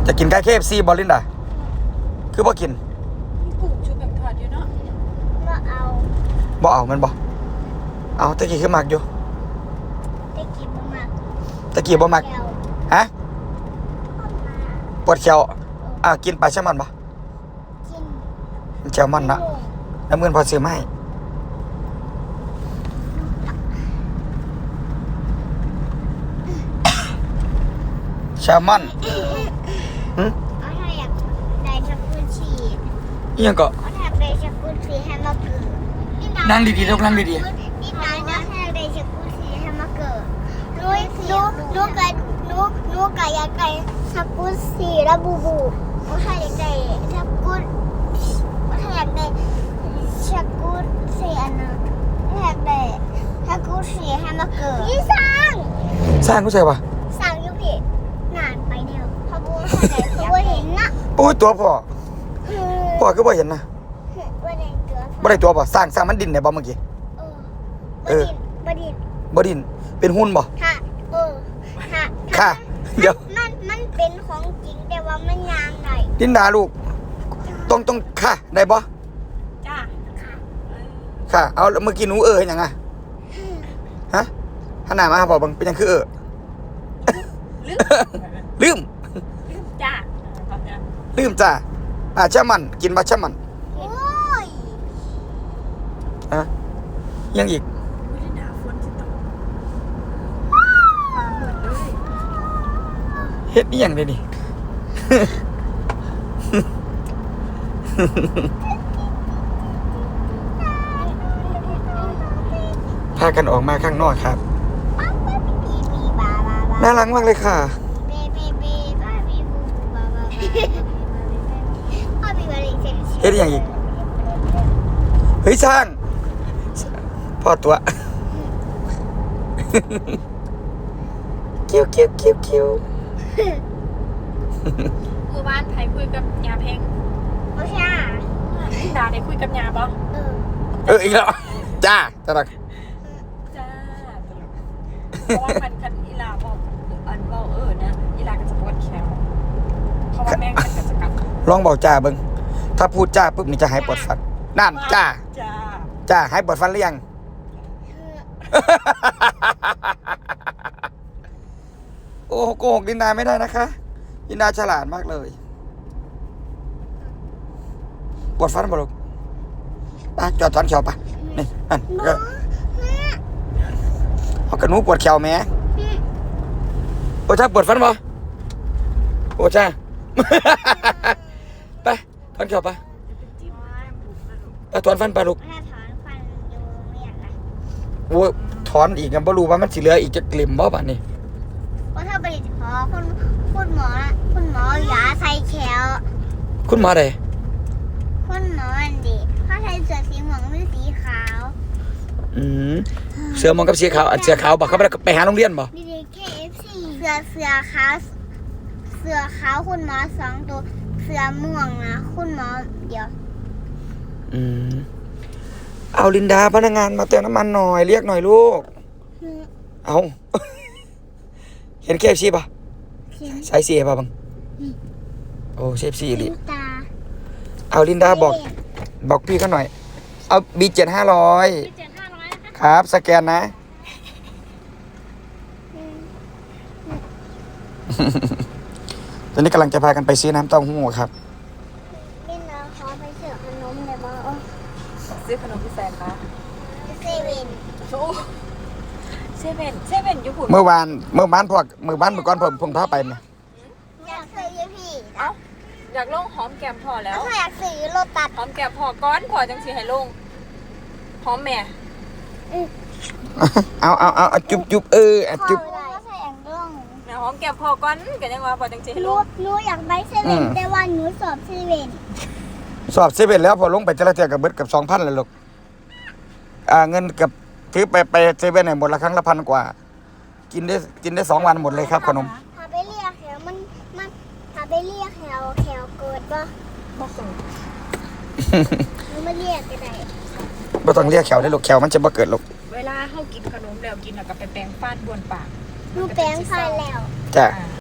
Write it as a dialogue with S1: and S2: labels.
S1: จะกินไก่ KFC บอลลินดาคือบ่กิน
S2: กุ้งชุบแบบทอดอยู่เนาะ
S1: บ่เอามันบ่เอาตะกี้คือมักอยู่ตะกี้บ่มักฮะปวดเขียวกินปลาแซลมอนบ่กินแซลมอนนะแล้วเงินพอซื้อมาให้แซลมอน
S3: อยากได้ชักกุชี
S1: ยังก็
S3: อยากได้ชักกุชีให้มาเกิด
S1: นั่งดีๆลูกนั่งดี
S3: นี่นายนะอยากได้ชักกุชีให้มาเกิดลูกก็อยากได้ชักกุชีและบูบูถ้าอยากได้ชักกุถ้าอยากได้ชักกุชีอันนั้นอยากได้ชักกุชีให้มาเกิดพี่สร้าง
S1: กูใช่ป่ะ
S3: สร้างยุพี่นานไปเดียวพอบูเขาเห็นนะ
S1: ปุ้ยตัวพ่อคือบ่เห็นนะบ่ได้ตัวป่ะสร้างมันดินได้บ่เมื่อกี้บ่ดินเป็นหุ้นบ่ค่ะเดี๋ยว
S3: มันเป็นของจริงแต่ว่ามันยางไหน
S1: ดินดาลูกต้องค่ะได้บ่
S2: จ้า
S1: ค่ะเอาเมื่อกี้หนูเห็นยังไงฮะขนาดมาบอกบังเป็นยังคือลืม
S2: จ้า
S1: ลืมจ้าแช่มันกินปลาแช่มันยังอีกเฮ็ดยังเลยนี่พากันออกมาข้างนอกครับน่ารักมากเลยค่ะเฮ็ดยังอีกเฮ้ยช่างพ่อตัวคิว
S2: เมื่อวานไผคุยกับยาเพง
S3: โอเค
S2: ดาได้คุยกับยาบ่
S1: อีกแล้วจ้าตลก
S2: จ้าเพราะว่าคันอีลาบอกอันเว้านะอีลาก็จะปวดแขนเพราะว่าแม่มันก็จะกลับ
S1: ลองบอกจ้าเบิ่งถ้าพูดจ้าปุ๊บนี่จะหายปวดฟันนั่นจ้าหายปวดฟันหรือยังโอ้โกหกดินดาไม่ได้นะคะดินดาฉลาดมากเลยปวดฟันบ่ลูกจอดถอนเขียวปะนี่อันก็เอากระนูปวดเขียวแม่โอ้จ้าปวดฟันบ่โอ้จ้าไปถอนเขียวปะถอนฟันปะลูกโอ้ถอนอีกกันบ่รู้ว่ามันสิเหลืออีกจะกลิ่มบ่ป่ะนี่
S3: ว่าถ้าไปขอคุณหมอยาใส่แขว
S1: คุณหมอใด
S3: คุณหมออันดีเขาใส่เสื้อสีม่วงหรือสีขาว
S1: เสื้อม่วงกับสีขาวเสื้อขาวบอกเขาไปหาโรงเรียนบ่
S3: ดี KFC เสื้อขาวคุณหมอ2ตัวเสื้อม่วงนะคุณหมอเดียว
S1: เอาลินดาพนักงานมาเติมน้ำมันหน่อยเรียกหน่อยลูกเอาเห็น KFC ป่ะใส่สีป่ะบังโอ้KFCอีหลีเอาลินดาบอกพี่เขาหน่อยเอาB7 500ครับสแกนนะตอนนี้กำลังจะพากันไปซื้อน้ำเต้าหู้ครับ
S3: ลินดาขอไปซื้อขนมได้บ่
S2: ซื้อขนมที่แสนคะ
S3: เซเว่น
S2: อยู่พุ่น
S1: เมื่อวานพวกเมื่อก่อนผมพาไปเนี่ย
S3: อยากซื้อพี่
S2: อยากลงหอมแก้มพอแล้ว
S3: อยากซื้อรถตัด
S2: หอมแก้มพอก้อนพอจังสิให้ลงหอมแม่
S1: เอาจุ๊บจุ๊บ
S2: หอมแก้มพอก้อนกันยังว่าพอจังสิให้ลง
S3: หนูอยากไปเซเว่นแต่ว่าหนูสอบเซเว่
S1: นแล้วพอลงไปจะละเทื่อกับเบิดกับ 2,000 เลยลูกเงินกับถือไปเซเว่นเนี่ยหมดละครั้งละ1,000 กว่ากินได้2 วันหมดเลยครับขนม
S3: ถ้าไปเรียกแถวมันถ้าไปเรียกแถวเกิดบ่เกิดหนูไม่เรียกก็ได้
S1: บ่ต้องเรียกแขวได้ลูกแขวมันจะบ่เกิดลูก
S2: เวลาเฮากินขนมแล้วกินแล้วก็ไปแปรงฟันบ้วนปาก
S3: หนูแปรงฟันแล้ว
S1: จ้ะ